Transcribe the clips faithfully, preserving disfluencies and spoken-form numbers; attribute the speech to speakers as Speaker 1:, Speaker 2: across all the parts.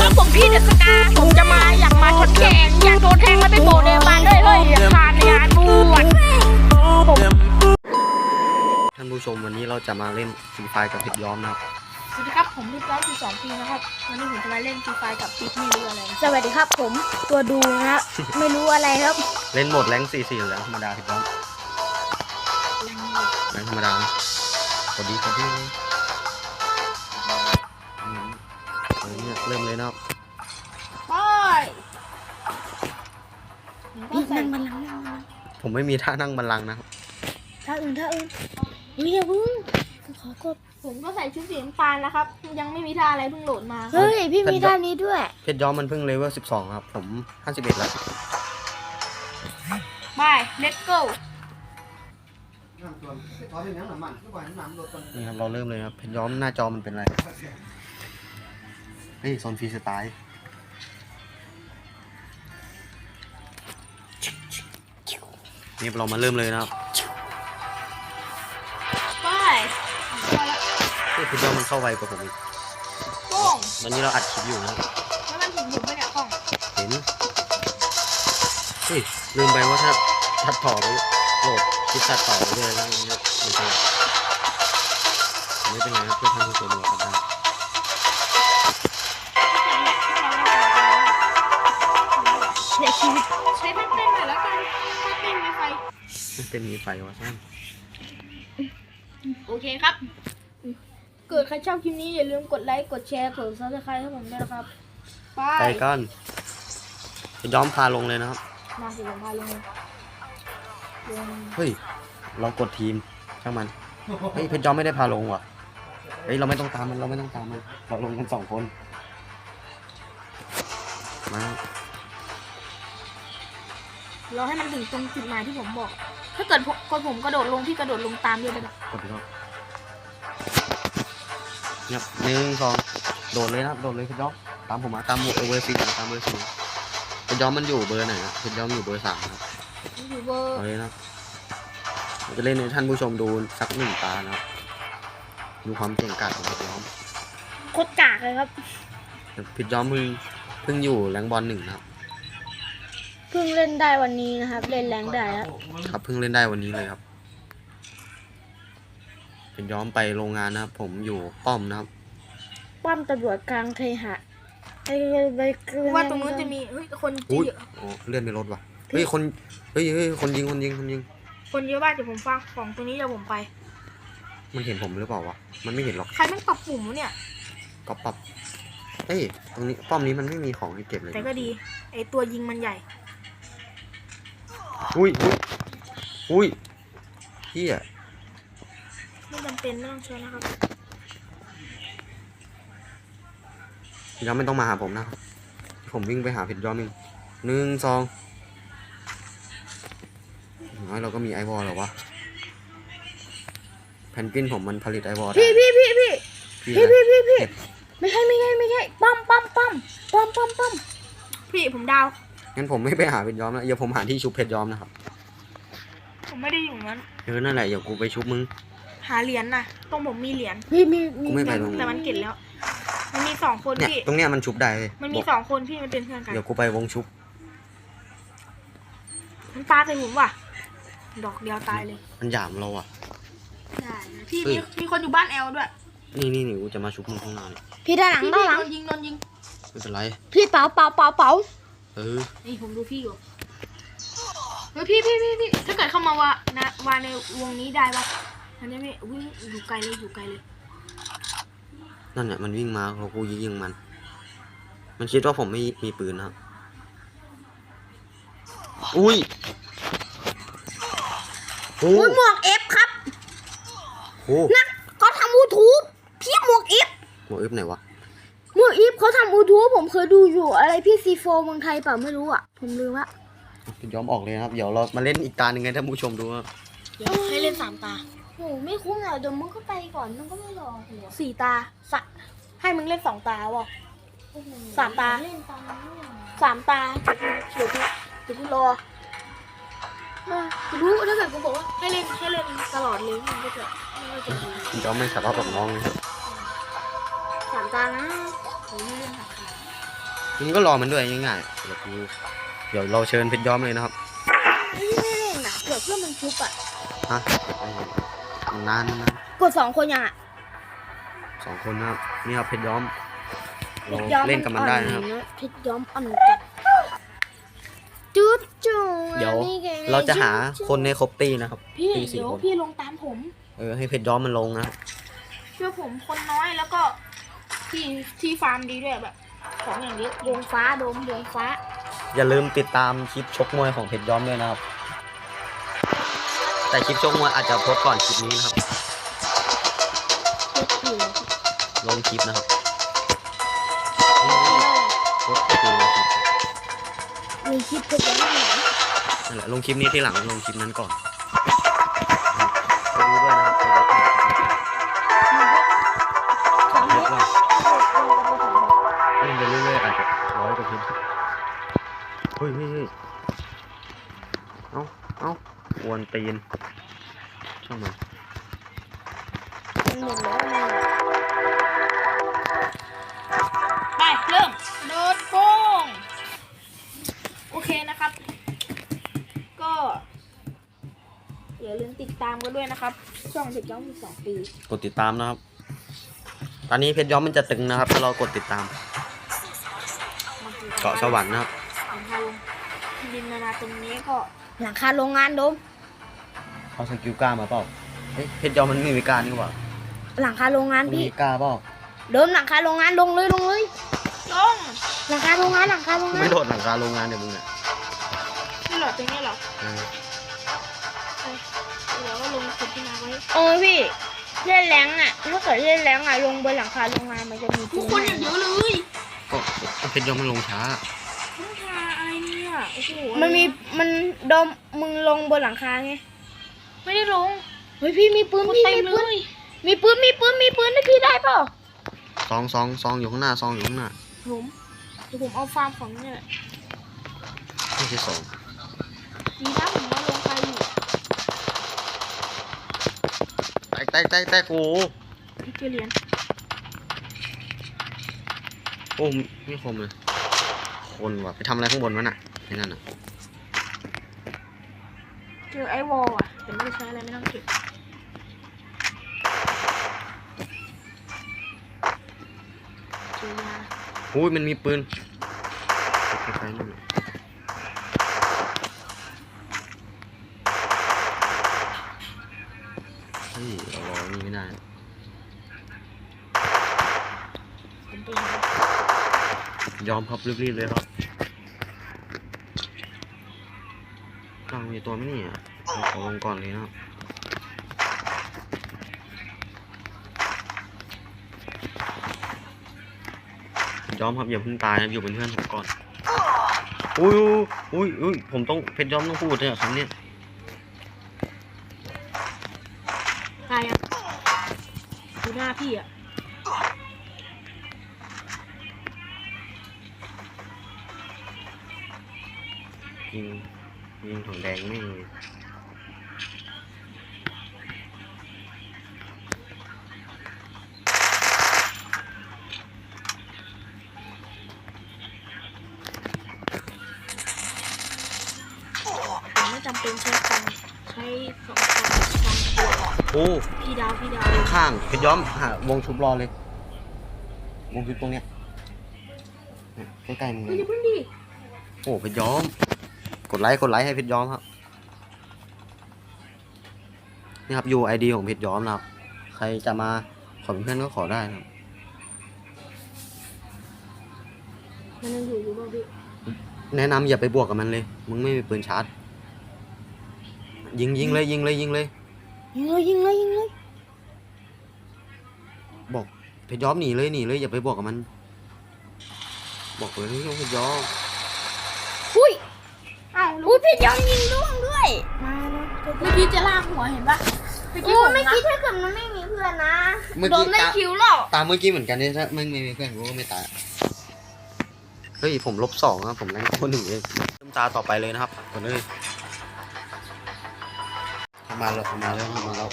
Speaker 1: ครับผมพี่เดสกาผมจะมาอยากมาทดแข่งอยากโดนแทงแล้วไปโบเดบานด้วยเลยอยากผ่านในงานบวช
Speaker 2: ท่านผู้ชมวันนี้เราจะมาเล่นฟรีไฟกับเพชรย้อมนะครับ
Speaker 1: สวัสดีครับผมพี่ย้อมสิบสองปีนะครับวันนี้ผมจะมาเล่นฟรีไฟกับปิ๊กไม่รู้อะไรสวัสดีครับผมตัวดูนะครับไม่รู้อะไรครับ
Speaker 2: เล่นโหมดแรงสี่สี่หรือแรงธรรมดาเพชรย้อมแรงธรรมดาพอดีพอดีเลยเนี่ยเริ่มเลยนะครับ
Speaker 1: ไปพี่นั่งบัลลังก์นั่งบัลลังก์
Speaker 2: ผมไม่มีท่านั่งบัลลังก์นะครับ
Speaker 1: ท่าอื่นท่าอื่นเฮ้ยพึ่งขอกดผมก็ใส่ชุดสีน้ำตาลนะครับยังไม่มีท่าอะไรเพิ่งโหลดมาเฮ้ยพี่มีท่านี้ด้วย
Speaker 2: เพชรย้อมมันเพิ่งเลเวลสิบสองครับผมห้าสิบเอ็ดแล้ว
Speaker 1: ไป let's go
Speaker 2: นี่ครับเราเริ่มเลยครับเพชรย้อมหน้าจอมันเป็นอะไรเฮ้ยโซนฟรีสไตล์นี่เรามาเริ่มเลยนะครับ
Speaker 1: ไป
Speaker 2: เฮ้ยเพชรย้อมมันเข้าไวกว่าผมอีก
Speaker 1: ป้ง
Speaker 2: ตอนนี้เราอัดคลิปอยู่นะ
Speaker 1: แล้วมันถึงผมไปเนี่ยป้อง
Speaker 2: เห็นเฮ้ยลืมไปว่าถ้าตัดต่อไปโหลดคลิปตัดต่อไปเลยแล้วมันจะไม่เป็นไรครับเพื่อท่านผู้ชมดูกันได้
Speaker 1: เดี๋ยวชีวิตใช้แพ็กเต้นหน่อยแล้วกันแพ็กเต้นมีไฟ
Speaker 2: เต้นมีไฟวะท่าน
Speaker 1: โอเคครับเกิดใครชอบคลิปนี้อย่าลืมกดไลค์กดแชร์กดซับสไครต์ให้ผมด้วยนะครับไป
Speaker 2: ไปกันจะย้อมพาลงเลยนะครับ
Speaker 1: มาสิผมพาลง
Speaker 2: เฮ้ยเรากดทีมช่างมันเฮ้ยเพชรย้อมไม่ได้พาลงว่ะเฮ้ยเราไม่ต้องตามมันเราไม่ต้องตามมันเราลงกันสองคนมา
Speaker 1: เราให้มันถึงตรงจุดหมายที่ผมบอกถ้าเกิดคนผมกระโดดลงพี่กระโดดลงตามด้วยได้ไหม
Speaker 2: กดดูครับเนี่ยหนึ่งสองโดดเลยนะโดดเลยเพชรย้อมตามผมมาตามเบอร์สี่ตามเบอร์สี่เพชรย้อมมันอยู่เบอร์ไหนนะเพชรย้อมอยู่เบอร์สามครับ
Speaker 1: อยู่เบอร์
Speaker 2: เลยนะจะเล่นให้ท่านผู้ชมดูสักหนึ่งตานะดูความเก่งกาจของเพชรย้อม
Speaker 1: โคตรกากเลยครับ
Speaker 2: เพชรย้อมเพิ่งเพิ่งอยู่แรงบอลหนึ่งนะครับ
Speaker 1: เพิ่งเล่นได้วันนี้นะครับเล่นแรงได้แล้ว
Speaker 2: ครับเพิ่งเล่นได้วันนี้เลยครับเป็นย้อมไปโรงงานนะครับผมอยู่ป้อมนะครับ
Speaker 1: ป้อมตำรวจกลางเคหะไอ้ใบเกลือว่าตรงนู้นจะมีเฮ้ยคนเยอะ
Speaker 2: อ๋อเลื่อนไปรถว่ะเฮ้ยคนเฮ้ยเฮ้ยคนยิงคนยิงคนยิง
Speaker 1: คนเยอะบ้างเดี๋ยวผมฟังของตรงนี้เดี๋ยวผมไป
Speaker 2: มันเห็นผมหรือเปล่าวะมันไม่เห็นหรอก
Speaker 1: ใครมันปรับปุ่มเนี่ย
Speaker 2: ก็ปรับเฮ้ยตรงนี้ป้อมนี้มันไม่มีของให้เก็บเลย
Speaker 1: แต่ก็ดีไอตัวยิงมันใหญ่
Speaker 2: อุ้ยอุ้ยอุ้ยเฮีย
Speaker 1: ไม่จำเป็นไม่ต้องเชิญนะครับ
Speaker 2: ย้อมไม่ต้องมาหาผมนะครับผมวิ่งไปหาเพชรย้อมเองหนึ่งสองน้อยเราก็มีไอวอลหรอวะแผ่นปิ้นผมมันผลิตไอวอล
Speaker 1: พี่พี่พี่พี่พี่พี่พี่พี่ไม่ใช่ไม่ใช่ไม่ใช่ปั๊มปั๊มปั๊มปั๊มปั๊มปั๊มพี่ผมดาว
Speaker 2: งั้นผมไม่ไปหาเพชรย้อมนะเดี๋ยวผมหาที่ชุบเพชรย้อมนะครับ
Speaker 1: ผมไม่ได้อยู่นั้น
Speaker 2: เออนั่นแหละเดี๋ยวกูไปชุบมึง
Speaker 1: หาเหรียญน่ะตรงผมมีเหรียญพี่มี
Speaker 2: กูไม่ไปตรง
Speaker 1: แต่มันเก็บแล้วมันมีสองคนพี่
Speaker 2: ตรงเนี้ยมันชุบได้เลย
Speaker 1: มันมีสองคนพี่มันเป็นเพื่อนกัน
Speaker 2: เดี๋ยวกูไปวงชุบ
Speaker 1: มันปาใส่ผมว่ะดอกเดียวตายเลย
Speaker 2: มันหยามเราอ่ะ
Speaker 1: ใช่พี่มีมีคนอยู่บ้านแอลด้วย
Speaker 2: นี่นี่นี่กูจะมาชุบมึงข้างหน้า
Speaker 1: พี่ด้านหลังด้านหลังโดนยิงโดนยิง
Speaker 2: ไม่เป็นไร
Speaker 1: พี่เป๋าเป๋าเป๋าเป๋า
Speaker 2: เออ
Speaker 1: นี่ผมดูพี่อยู่เฮ้ยพี่พี่พี่พี่ถ้าเกิดเข้ามาวะนะวาในวงนี้ได้ปะมันจะไม่วิ่งอยู่ไกลเลยอยู่ไกลเลย
Speaker 2: นั่นเนี่ยมันวิ่งมาเรากูยิงมันมันคิดว่าผมไม่มีปืนนะครับอุ้ย
Speaker 1: โอ้ยหมวกเอฟครับนักเขาทำยูทูบพี่หมวกเอฟ
Speaker 2: หมวกเอฟไหนวะ
Speaker 1: หมวกเอฟเขาทำยูทูบผมเคยดูอยู่อะไรพี่ซีโฟเมืองไทยเปล่าไม่รู้อ่ะผมลืมละ
Speaker 2: ย้อมออกเลยครับเดี๋ยวเรามาเล่นอีกตาหนึ่งให้ท่านผู้ชมดูครับ
Speaker 1: ให้เล่นสามตาโอ้ไม่คุ้มอ่ะเดี๋ยวมึงก็ไปก่อนมึงก็ไม่รอสี่ตาสะให้มึงเล่นสองตาวะสามตาสามตาเดี๋ยวกูเดี๋ยวกูรอกูรู้ถ้าเกิดกูบอกว่าให้เล่นให้เล่นตลอดเลยมันก็จะมันก็จะ
Speaker 2: ดีย้อมไม่สารภาพกับน้องเลย
Speaker 1: สามตานะผมไม่เล่นสามตา
Speaker 2: มึงก็รอมันด้วยง่ายๆเดี๋ยวกูเดี๋ยวเราเชิญเพชรย้อมเลยนะครับ
Speaker 1: ไม่ไม่เล่นนะเผื่อเพื่อนมันชุบอ่ะ
Speaker 2: ฮะนานนะ
Speaker 1: กดสองคนยังอ่ะ
Speaker 2: สองคนนะครับนี่ครับเพชรย้อม
Speaker 1: เพ
Speaker 2: เรา
Speaker 1: ชรย้อม
Speaker 2: เล่นกับมันได้นะครับ
Speaker 1: เพชรย้อมอ่อนจัดจุดจุด
Speaker 2: เดี๋ยวเราจะหาคนในครบตีนะครับ
Speaker 1: พี่
Speaker 2: ตีสี่
Speaker 1: เดี๋ยว
Speaker 2: คน
Speaker 1: พี่ลงตามผม
Speaker 2: เออให้เพชรย้อมมันลงนะครับ
Speaker 1: เชื่อผมคนน้อยแล้วก็ที่ที่ฟาร์มดีด้วยแบบ ของอย่างนี้ดวงฟ้าโดมดวงฟ้า
Speaker 2: อย่าลืมติดตามคลิปชกมวยของเพชรย้อมด้วยนะครับ แต่คลิปชกมวยอาจจะโพสต์ก่อนคลิปนี้นะครับ ลงคลิปนะครับนี่โพสต์คือลงคลิปครับ
Speaker 1: มีคลิปเพชรย้อมไหน
Speaker 2: นั่นแหละลงคลิปนี้ที่หลังลงคลิปนั้นก่อนไปดูด้วยนะครับไปดูด้วย
Speaker 1: สองเพชร
Speaker 2: ว่าเล่นไปเรื่อยๆอาจจะร้อยกว่าเพชรเฮ้ยเฮ้ยเฮ้ยเอ้าเอ้าอวนตีนช่างมัน
Speaker 1: มันหมดแล้วนะไปเริ่มโดดโป้งโอเคนะครับ ก็อย่าลืมติดตามกันด้วยนะครับ ช่องเพชรย้อมมีสองปี
Speaker 2: กดติดตามนะครับ ตอนนี้เพชรย้อมมันจะตึงนะครับ ถ้าเรากดติดตาม เกาะสวรรค์นะครับ
Speaker 1: หลังคาลงดินนานาตรงนี้ก็หลังคาโรงงานโดม
Speaker 2: เอาสกิลกล้ามาเปล่าเฮ้ยเพชรย้อมมันไม่มีการนี่หว่า
Speaker 1: หลังคาโรงงาน
Speaker 2: มัน
Speaker 1: พี่
Speaker 2: มีกล้าเปล่า
Speaker 1: โดมหลังคาโรงงานลงเลยลงเลยลงหลังคาโรงงานหลังคาโรงงาน
Speaker 2: ไม่โดดหลังคาโรงงานเดี๋ยวมึงอ่ะ
Speaker 1: นี่เหรอตรงนี้เหรอ
Speaker 2: เออ
Speaker 1: เดี๋ยวก็ลงขุดที่นาไว้โอ้ยพี่เล่นแรงอ่ะถ้าเกิดเล่นแรงอ่ะลงบนหลังคาโรงงานมันจะมีทุกคนเยอะเลย
Speaker 2: ก็เพชรย้อมมันลงช้า
Speaker 1: หลังคาอะไรเนี่ยโอ้โหมันมีมันโดมมึงลงบนหลังคาไงไม่ได้ลงเฮ้ยพี่มีปืนพี่มีปืนมีปืนมีปืนมีปืนให้พี่ได้เปล่า
Speaker 2: ซองซองซองอยู่ข้างหน้าซองอยู่ข้างหน้า
Speaker 1: ผมเดี๋ยวผมเอาฟาร์มของเนี่ย
Speaker 2: ไม่ใช่ซอง
Speaker 1: ดีนะผมมาลงไปอยู่
Speaker 2: แตกแตกแตกแตกโอ้
Speaker 1: พี่เจเรียน
Speaker 2: โอ้ไม่คมเลยคนว่ะไปทำอะไรข้างบนวะน่ะไอ้นั่นน่ะ
Speaker 1: เจอไอ้วอลอ่ะแต่ไม่ได้ใช้อะไรไม่ต้องเก็บเจอยา
Speaker 2: อุ้ยมันมีปืนคล้ายๆนั่นน่ะเฮ้ยเรารอนี่ไม่ได้
Speaker 1: ผมไปหาย
Speaker 2: อมครับรีบๆเลยครับกลางมีตัวไหมเนี่ยเอาขอลงก่อนเลยนะครับยอมครับอย่าเพิ่งตายนะอยู่เป็นเพื่อนผมก่อนอุ้ยอุ้ยอุ้ยผมต้องเพชรยอมต้องพูดเนี่ยคำนี้
Speaker 1: ตายอ่ะดูหน้าพี่อ่ะ
Speaker 2: ยิงยิงถังแดงไม่เลย
Speaker 1: ผมไม่จำเป็นใช้ฟันใช้สองฟันฟันตัว
Speaker 2: โอ้
Speaker 1: พี่ดาวพี่ดาว
Speaker 2: ข้างเพชรย้อมหาวงชุบรอเลย วงชุบตรงเนี้ยเนี่ยใกล้ๆมึงเล
Speaker 1: เฮ้ย
Speaker 2: ย
Speaker 1: อย่าเพิ่งดิ
Speaker 2: โอ้เพชรย้อมกดไลค์กดไลค์ให้เพชรย้อมครับนี่ครับ ยู ไอ ดี ของเพชรย้อมนะครับใครจะมาขอเป็นเพื่อนก็ขอได้นะครับ
Speaker 1: มันยังอยู่อยู่ป่ะพี่
Speaker 2: แนะนำอย่าไปบวกกับมันเลยมึงไม่มีปืนชาร์จยิงยิงเลยยิงเลยยิงเลย
Speaker 1: ยิงเลยยิงเลยยิงเลย
Speaker 2: บอกเพชรย้อมหนีเลยหนีเลยอย่าไปบวกกับมัน บอกเลยนี่เพชรย้อม
Speaker 1: อุ้ยอ้าวอุ้ยพี่ยอมยิงร่วงด้วยมาแล้วเมื่อกี้จะลากหัวเห็นปะเมื่อกี้ผมไม่คิดถ้าเกิดมันไม่มีเพื่อนนะ
Speaker 2: เมื่อ
Speaker 1: โด
Speaker 2: กี้
Speaker 1: นได้
Speaker 2: ตา
Speaker 1: คิวแล้ว
Speaker 2: ตามเมื่อกี้เหมือนกันเนี่ยถ้าไม่ไม่มีเพื่อนกูก็ไม่ตายเฮ้ยผมลบสองนะผมแรงคนหนึ่งเองเริ่มตาต่อไปเลยนะครับก่อนเลยมาแล้วมาแล้วมาแล้ว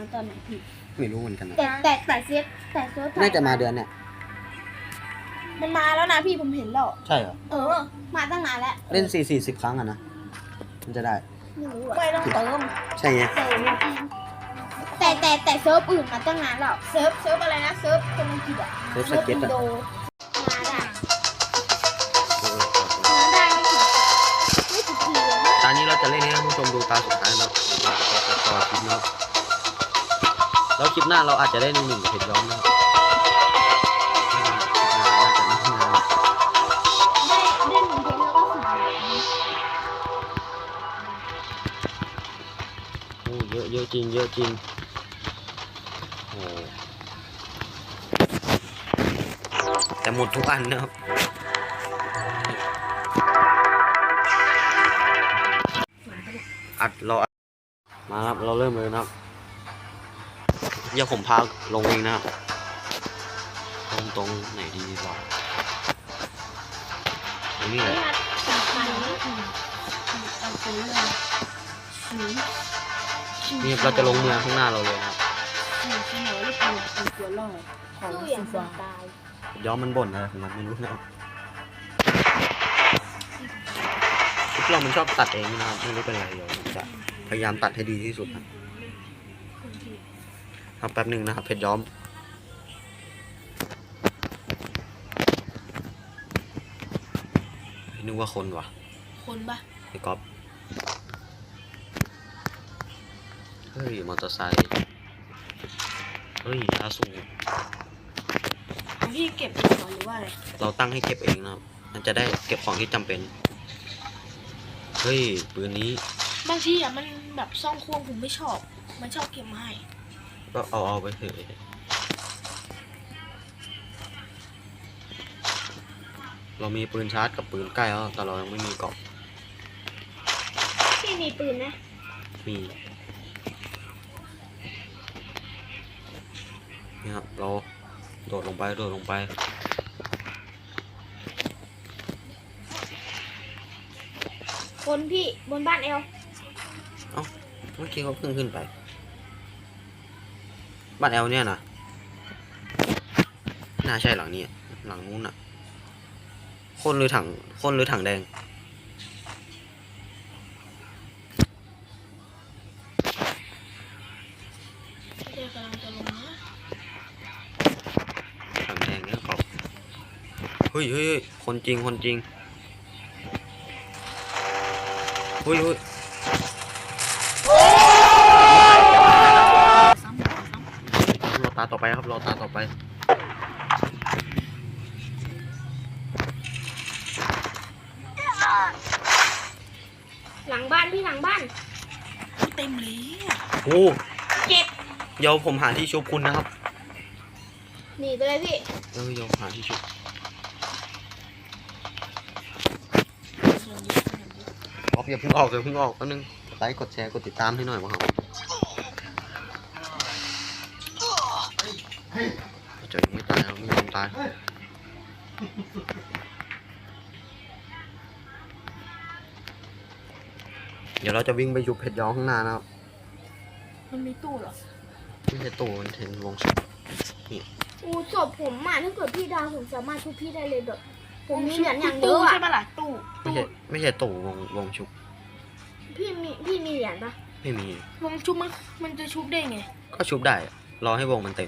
Speaker 1: ตอนไหนพี่
Speaker 2: ไม่รู้เหมือนกันนะ
Speaker 1: แต่แต่แต่เซฟแต่เซฟ
Speaker 2: น่าจะมาเดือนเนี่ย
Speaker 1: มันมาแล้วนะพี่ผมเห็นแล้ว
Speaker 2: ใช่เหรอ
Speaker 1: เออ มาตั้งนานแล้ว
Speaker 2: เล่นสี่สี่สิบครั้งอะนะมันจะได้
Speaker 1: ไม่รู้อะไม่ต้องเติม
Speaker 2: ใช่ไง
Speaker 1: เติมแต่แต่แต่เซิร์ฟอื่นมาตั้งนานแล้วเซิร์ฟเซิร์ฟอะไรนะเซิร์ฟคนอังกฤษอะ
Speaker 2: เซิร์ฟสเก็ต
Speaker 1: อิน
Speaker 2: อะ
Speaker 1: โดมาได้มาได้ไม่ถึงไม่ถึงทีเลยนะ
Speaker 2: ตอนนี้เราจะเล่นให้ท่านผู้ชมดูตาสุดท้ายแล้วเราจะตัดต่อคลิปนะครับแล้วคลิปหน้าเราอาจจะได้หนึ่งหนึ่งกับเพจย้อมนะครับไม่นานคลิปหน้าน่าจะไม่นาน
Speaker 1: ได้ได้หนึ่งเพลงแล้วก็สิบ
Speaker 2: โอ้เยอะเยอะจริงเยอะจริงโอ้แต่หมดทุกอันนะครับอัดเราอัดมาครับเราเริ่มเลยนะครับเดี๋ยวผมพาลงเองนะครับตรงตรงไหนดีวะตรงนี้เลยนี่เราจะลงเมืองข้างหน้าเราเลยนะครับ
Speaker 1: สู้อย่างคนตาย
Speaker 2: ย้อมมันบ่นอะไรของมันไม่รู้นะครับพวกเรามันชอบตัดเองนะครับไม่รู้เป็นไรเดี๋ยวผมจะพยายามตัดให้ดีที่สุดนะครับแป๊บหนึ่งนะครับเพชรย้อมนึกว่าคนวะ
Speaker 1: คนปะ
Speaker 2: ไอ้ก๊อฟเฮ้ยมอเตอร์ไซค์เฮ้ยยาสูบ
Speaker 1: พี่เก็บเองเหรอหรือว่าอะไร
Speaker 2: เราตั้งให้เก็บเองนะครับ มันจะได้เก็บของที่จำเป็น เฮ้ยปืนนี้
Speaker 1: บางทีอ่ะมันแบบซ่องควงผมไม่ชอบ มันชอบเก็บมาให้
Speaker 2: ก็เอาเอาไปเถอะเรามีปืนชาร์จกับปืนใกล้แล้วแต่เรายังไม่มีเกราะ
Speaker 1: พี่มีปืนนะ
Speaker 2: มีนี่ครับเราโดดลงไปโดดลงไป
Speaker 1: คนพี่บนบ้านเอล
Speaker 2: เอ้าเมื่อกี้เขาเพิ่งขึ้นไปบ้านแอลเนี่ยนะน่าใช่หลังนี้หลังนู้นน่ะคนหรือถังคนหรือถังแดง
Speaker 1: เดี๋ยวกำลังจะลงนะ
Speaker 2: ถังแดงเนี่ยเขาเฮ้ยเฮ้ยเฮ้ยคนจริงคนจริงเฮ้ยเฮ้ย
Speaker 1: ซ้ำซ้ำ
Speaker 2: รอตาต่อไปครับรอตาต่อไป
Speaker 1: หลังบ้านพี่หลังบ้านเต็มเลยอ่ะ
Speaker 2: โอ้
Speaker 1: เจ็บ
Speaker 2: เดี๋ยวผมหาที่ชุบคุณนะครับ
Speaker 1: หนีไปเลยพี่
Speaker 2: เออเดี๋ยวหาที่ชุบออกอย่าเพิ่งออกอย่าเพิ่งออกแป๊บนึงกดไลค์กดแชร์กดติดตามให้หน่อยมั้งครับจะยังไม่ตายครับไม่ยอมตายเดี๋ยวเราจะวิ่งไปยุบเพชรย้อมข้างหน้านะครับ
Speaker 1: มันมีตู้เหรอ
Speaker 2: ไม่ใช่ตู้มันเป็นวงศพนี่
Speaker 1: อู้ศพผมอ่ะถ้าเกิดพี่ดาวผมสามารถชุบพี่ได้เลยแบบผมมีเหรียญอย่างเยอะอ่ะใช่ปะล่ะตู้
Speaker 2: ไม่ใช่ไม่ใช่ตู้วงวงชุบ
Speaker 1: พี่มีพี่มีเหรียญปะ
Speaker 2: ไม่มี
Speaker 1: วงชุบมันมันจะชุบได้ไง
Speaker 2: ก็ชุบได้อะรอให้วงมันเต็ม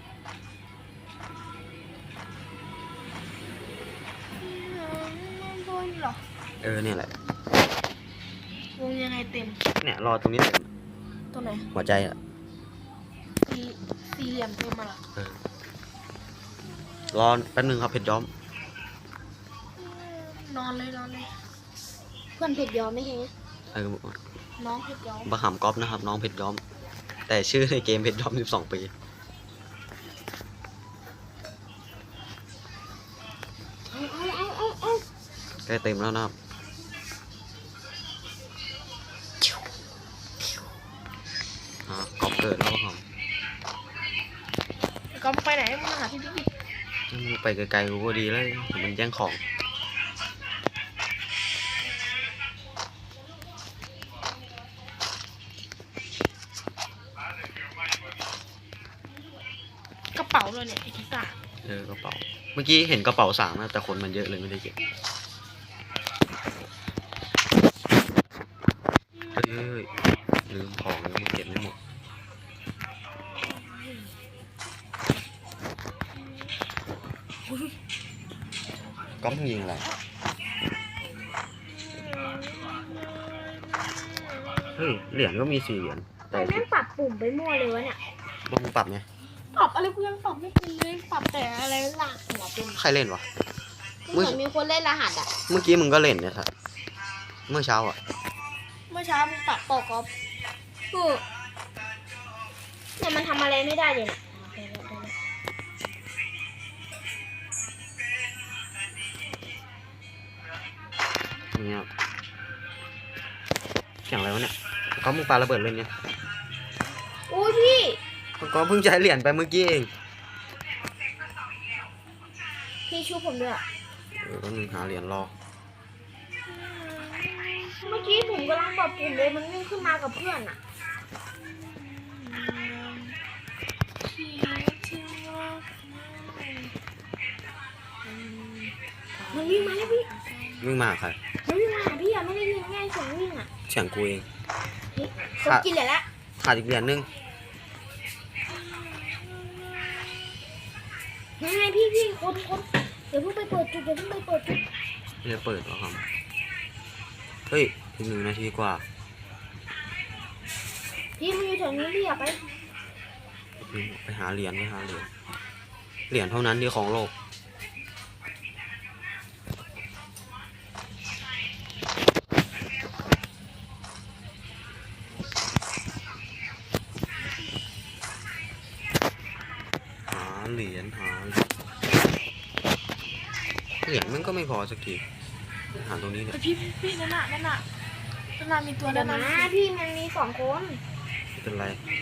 Speaker 1: บนเหรอ
Speaker 2: เออเนี่ยแหละ
Speaker 1: วงยังไงเต็ม
Speaker 2: เนี่ยรอตรงนี้เต็ม
Speaker 1: ตัวไหน
Speaker 2: หัวใจอ่ะ
Speaker 1: สี่สี่เหลี่ยมเต็มมาละ
Speaker 2: เออรอแป๊บนึงครับเพชรย้อม
Speaker 1: นอนเลยนอนเลยเพื่อนเพชรย้อมไม่ใช่
Speaker 2: เออ
Speaker 1: น้องเพชรย้อม
Speaker 2: บะหามก๊อฟนะครับ น้องเพชรย้อม แต่ชื่อในเกมเพชรย้อมสิบสองปี
Speaker 1: เอาเอาเอาเอาเอา
Speaker 2: ใกล้เต็มแล้วนะครับอ่าก๊อฟเกิดแล้วครับ
Speaker 1: ก็ไปไหนมึงมาหาพี่พี่
Speaker 2: มึงไปไกลๆกูก็ดีแล้วมันแย่งของ
Speaker 1: ะเนี่ยไอ้ทิศา
Speaker 2: เออกระเป๋าเมื่อกี้เห็นกระเป๋าสามนะแต่คนมันเยอะเลยไม่ได้เก็บเฮ้ยเฮ้ยลืมของแล้วมันเก็บไม่หมดก็มึงยิงอะไรเฮ้ยเหรียญก็มีสี่เหรียญแต่
Speaker 3: แต่แม่งปรับปุ่มไปมั่วเลยวะเนี่ย
Speaker 2: ต้องปรับไง
Speaker 1: ปรับอะไรกูยังปรับไม่เป็นเลยปรับแต่อะไรหลักหัวเป็น
Speaker 2: ใครเล่นวะ
Speaker 3: เหมือนมีคนเล่นรหัสอ่ะ
Speaker 2: เมื่อกี้มึงก็เล่นเนี่ยครับเมื่อเช้าอ่ะ
Speaker 1: เมื่อเช้ามึงปรับปอกอฟ
Speaker 3: คือเนี่ยมันทำอะไรไม่ได้เลยนะ
Speaker 2: เนี่ยเสียงอะไรวะเนี่ยก็มึงปาระเบิดเล่นเนี่ย
Speaker 3: โอ้ยพี่
Speaker 2: ก็เพิ่งใช้เหรียญไปเมื่อกี้เอง
Speaker 3: พี่ชูผมด้วยอะ
Speaker 2: เออก็มึงหาเหรียญรอ
Speaker 3: เมื่อกี้ผมกำลังปรับปุ่มเลยมันวิ่งขึ้นมากับเพื่อนอ่ะ มันวิ่งมาแล้วพี่
Speaker 2: มึงมาใคร
Speaker 3: มันวิ่งมาหาพี่อ่ะไม่ได้ยินง่ายเสียงวิ่งอ่ะ
Speaker 2: เสียงกูเอง
Speaker 3: เฮ้ยผมกินเหรียญละ
Speaker 2: ขาดอีกเหรียญนึง
Speaker 3: ยังไงพี่พี่คนคนเดี๋ยวเพิ่งไปเปิดจุดเดี๋ยวเพิ่งไปเปิดจุด
Speaker 2: ไม่ได้เปิดหรอครับเฮ้ยอีกหนึ่งนาทีกว่า
Speaker 3: พี่มันอยู่แถวนี้พี่อยากไป
Speaker 2: ไปหาเหรียญไปหาเหรียญเหรียญเท่านั้นที่ของโลกหาเหรียญหาเหรียญเหรียญมันก็ไม่พอสักทีหาตรงนี้เนี่ย
Speaker 1: แต่พี่พี่นั่นน่ะนั่นน่ะนั่นน่ะมีตัว
Speaker 3: เดี๋
Speaker 1: นั่
Speaker 3: ยวน
Speaker 1: น่ะ
Speaker 3: นะพี่มันมีสองคน
Speaker 2: ไม่เป็นไร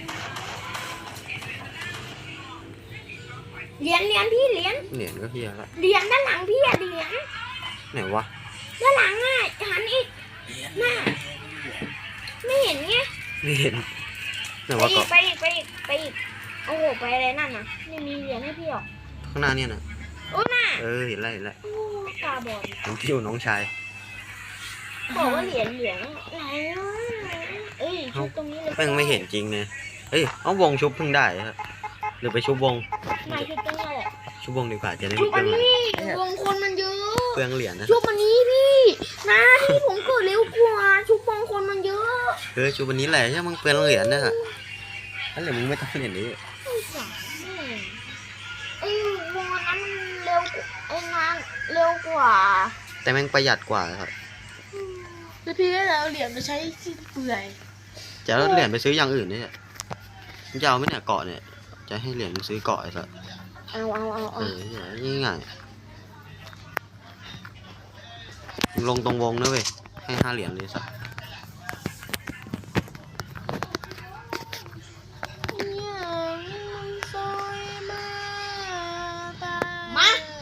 Speaker 3: เหรียญเหรียญพี่เหรียญ
Speaker 2: เหรียญก็เฮียละ
Speaker 3: เหรียญด้านหลังพี่อะเหรียญ
Speaker 2: ไหนวะ
Speaker 3: ด้านหลังอ่ะหันอีกหน้าไม่เห็นไง
Speaker 2: ไม่เห็นไหน
Speaker 3: ไป
Speaker 2: วะ
Speaker 3: อี
Speaker 2: เกาะ
Speaker 3: กไปอีกไปอีกไปอีกโอ้โหไปอะไรนั่นน่ะไม่มีเหรียญให้พี่หรอก
Speaker 2: ข้างหน้าเนี่ยนะ
Speaker 3: โอ้น่ะ
Speaker 2: เออเห็นแล้วเห็นแล้ว
Speaker 3: โอ้ตาบอด
Speaker 2: น้องทิวน้องชาย
Speaker 3: บอกว่าเหรียญเหรียญไหนอ่ะเอ้ยชุดตรงนี้เลย
Speaker 2: แม่งไม่เห็นจริงเนี่ยเอ้ยเอาวงชุบเพิ่งได้ครับหรือไปชุบวง
Speaker 3: ไหนชุดตรงนี้แหละ
Speaker 2: ชุบวงดีกว่าจะได้
Speaker 3: ชุ
Speaker 2: ไม่
Speaker 3: ด
Speaker 2: เปลื
Speaker 3: อั
Speaker 2: อน ง
Speaker 3: นี้วงคนมันเยอะ
Speaker 2: เปลืองเหรียญนะ
Speaker 3: ชุดอันนี้พี่นะที่ผมเกิดเร็วกว่าชุดวงคนมันเยอะ
Speaker 2: เออชุบวันนี้แหละใช่มึงเปลืองเหรียญนะฮะถ้าเหรียญมึงไม่ต้องเหรียญนี้
Speaker 3: ไอ้สารไอ้วงอันนั้นมันเร็วกว่าไอ้งานเร็วกว่า
Speaker 2: แต่แม่งประหยัดกว่าครับ
Speaker 1: แล้วพี่ก็เลยเอาเหรียญมาใช้สิ้นเปลือย
Speaker 2: จะเอาเหรียญไปซื้ออย่างอื่นเนี่ยมึงจะเอาไหมเนี่ยเกาะเนี่ยจะให้เหรียญมึงซื้อเกาะไอ้สัส
Speaker 3: เอาเอาเอา
Speaker 2: เอ
Speaker 3: เอา
Speaker 2: อนี่ง่ายมึงลงตรงวงนะเว้ยให้ห้าเหรียญเลยสัส
Speaker 3: มา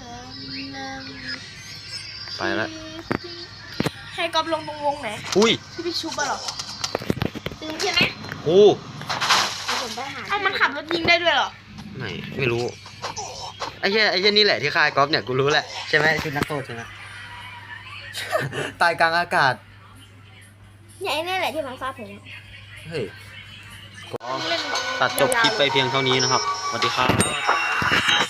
Speaker 2: ไปแล้ว
Speaker 1: ให้กอบลงตรงวงไหน
Speaker 2: อุ้ย
Speaker 1: ที่พี่ชุบอะเหรอ
Speaker 3: ตื่นใช่ไหม
Speaker 2: โอ้
Speaker 3: เดี๋ยวผมไปหา
Speaker 1: เอ้ามันขับรถยิงได้ด้วยเหรอ
Speaker 2: ไม่ไม่รู้ไอ้เหี้ยไอ้เหี้ยนี่แหละที่คายกอล์ฟเนี่ยกูรู้แหละใช่ไหมชุดนักโทษใช่ไหม ตายกลางอากาศ
Speaker 3: เนี่ยไอ้นี่แหละที่บังคับผม
Speaker 2: เฮ้ยก็ตัดจบคลิปไปเพียงเท่านี้นะครับสวัสดีครับ